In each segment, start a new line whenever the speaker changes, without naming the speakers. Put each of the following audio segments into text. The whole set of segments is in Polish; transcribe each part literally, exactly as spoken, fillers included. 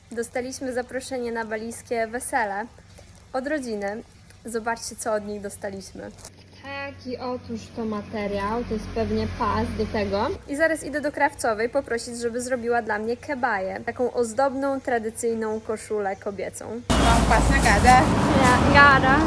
Dostaliśmy zaproszenie na balijskie wesele od rodziny. Zobaczcie, co od nich dostaliśmy. Taki otóż to materiał, to jest pewnie pas do tego. I zaraz idę do krawcowej poprosić, żeby zrobiła dla mnie kebaję. Taką ozdobną, tradycyjną koszulę kobiecą.
Vâng, pas na gada.
Ja, gara.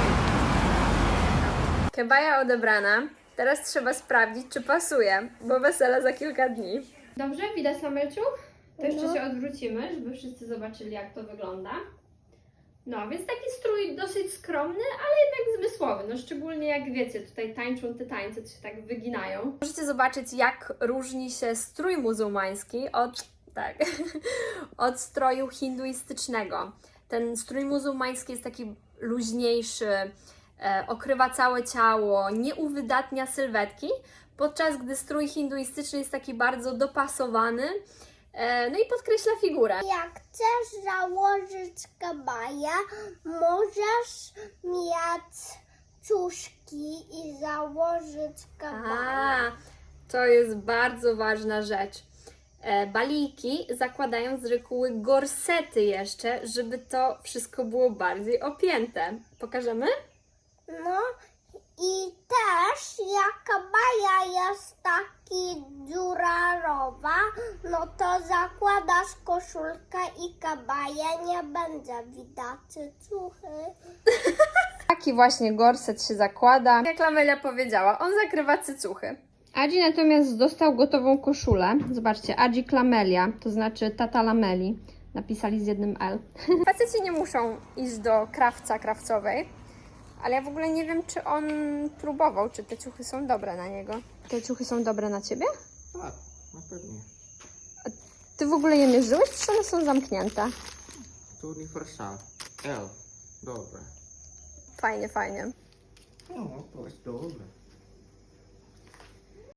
Kebaja odebrana. Teraz trzeba sprawdzić, czy pasuje, bo wesele za kilka dni. Dobrze, widać Samelciu? To jeszcze
No.
się odwrócimy, żeby wszyscy zobaczyli, jak to wygląda. No, więc taki strój dosyć skromny, ale jednak zmysłowy. No, szczególnie jak wiecie, tutaj tańczą te tańce, to się tak wyginają. Możecie zobaczyć, jak różni się strój muzułmański od, tak, od stroju hinduistycznego. Ten strój muzułmański jest taki luźniejszy, e, okrywa całe ciało, nie uwydatnia sylwetki, podczas gdy strój hinduistyczny jest taki bardzo dopasowany, e, no i podkreśla figurę.
Jak chcesz założyć kabaję, możesz mieć ciuszki i założyć kabaję.
A, to jest bardzo ważna rzecz. E, Balijki zakładają z reguły gorsety jeszcze, żeby to wszystko było bardziej opięte. Pokażemy?
No i też jak kabaja jest taki dziurarowa, no to zakładasz koszulkę i kabaję, nie będzie widać ciuchy.
Taki właśnie gorset się zakłada. Jak Lamelia powiedziała, on zakrywa cycuchy. Adzi natomiast dostał gotową koszulę. Zobaczcie, Adzi Klamelia, to znaczy tata Lameli. Napisali z jednym L. Faceci nie muszą iść do krawca krawcowej, ale ja w ogóle nie wiem, czy on próbował, czy te ciuchy są dobre na niego. Te ciuchy są dobre na ciebie?
Tak, na pewno.
Ty w ogóle je mierzyłeś, czy one są zamknięte?
To uniwersal. L. Dobre.
Fajnie, fajnie.
No, to jest dobre.